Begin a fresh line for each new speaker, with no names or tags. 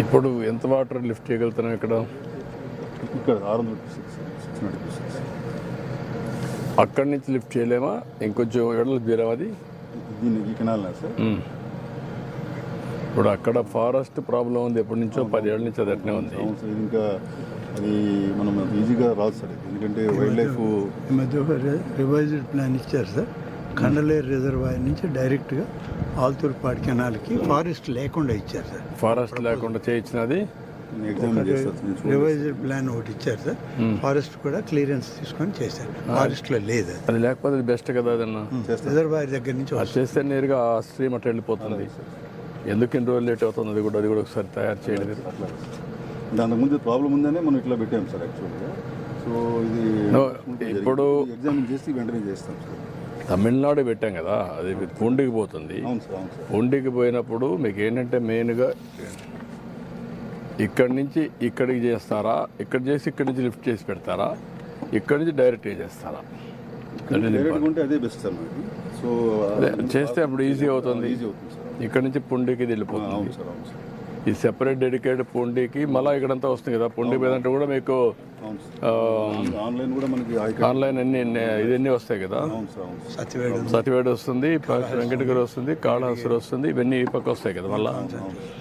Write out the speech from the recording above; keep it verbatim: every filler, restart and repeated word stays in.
ఇప్పుడు ఎంత water lift చేయగలుగుతున్నాం ఇక్కడ?
ఇక్కడ ఆరు వందల సిక్స్ సిక్స్ హండ్రెడ్ సిక్స్
అక్కడి నుంచి లిఫ్ట్ చేయలేమా? ఇంకొంచెం ఎడలు తీరాం అది.
దీన్ని ఈ కెనాల్ సార్.
ఇప్పుడు అక్కడ ఫారెస్ట్ ప్రాబ్లం ఉంది, ఎప్పటి నుంచో పది ఏళ్ళ నుంచి అది అట్నే ఉంది.
అవును సార్, ఇది ఇంకా అది మనం ఈజీగా రాదు సార్, ఎందుకంటే వైల్డ్ లైఫ్.
ఈ మధ్య ఒక రివైజ్డ్ ప్లాన్ ఇచ్చారు సార్, కండలేరు రిజర్వాయర్ నుంచి డైరెక్ట్గా ఆల్తూర్పాడు కెనాల్కి ఫారెస్ట్ లేకుండా ఇచ్చారు సార్.
ఫారెస్ట్ లేకుండా చేయించినది
ఎగ్జామిన్ చేస్తారు.
రివైజ్డ్ ప్లాన్ ఒకటి ఇచ్చారు సార్, ఫారెస్ట్ కూడా క్లియరెన్స్ తీసుకొని చేశారు. ఫారెస్ట్లో లేదు అది.
అది లేకపోతే అది బెస్ట్ కదా అదన్నా.
రిజర్వాయర్ దగ్గర నుంచి
అది చేస్తే నేరుగా ఆ స్ట్రీమ్ అట్లా వెళ్ళిపోతుంది. ఎందుకు ఇన్ని రోజులు లేట్ అవుతుంది? అది కూడా అది కూడా ఒకసారి తయారు చేయండి.
దానికి ముందు ప్రాబ్లం ఉందనే మనం ఇట్లా పెట్టాం సార్ యాక్చువల్గా. సో ఇది
ఇప్పుడు
ఎగ్జామిన్ చేసి వెంటనే చేస్తాం సార్.
తమిళనాడు పెట్టాం కదా, అది పూండికి పోతుంది.
అవును సార్, అవును సార్.
పూండికి పోయినప్పుడు మీకు ఏంటంటే మెయిన్గా ఇక్కడి నుంచి ఇక్కడికి చేస్తారా, ఇక్కడ చేసి ఇక్కడి నుంచి లిఫ్ట్ చేసి పెడతారా, ఇక్కడి నుంచి డైరెక్ట్గా చేస్తారా?
డైరెక్ట్గా ఉంటే అదే బెస్ట్ సార్ మనకి. సో
చేస్తే అప్పుడు ఈజీ అవుతుంది.
ఈజీ అవుతుంది సార్.
ఇక్కడ నుంచి పుండికి వెళ్ళిపోతుంది.
అవును సార్, అవును సార్.
ఈ సెపరేట్ డెడికేటెడ్ పుండికి మళ్ళీ ఇక్కడంతా వస్తుంది కదా. పుండి మీద అంటే కూడా మీకు
ఆన్లైన్ కూడా మనకి
ఆన్లైన్ అన్ని ఇవన్నీ వస్తాయి కదా.
అవును సార్, అవును సార్.
సత్యవేడు
సతివేడు వస్తుంది, వెంకటగిరి వస్తుంది, కాళహస్తి వస్తుంది, ఇవన్నీ ఈ పక్క వస్తాయి కదా మళ్ళీ.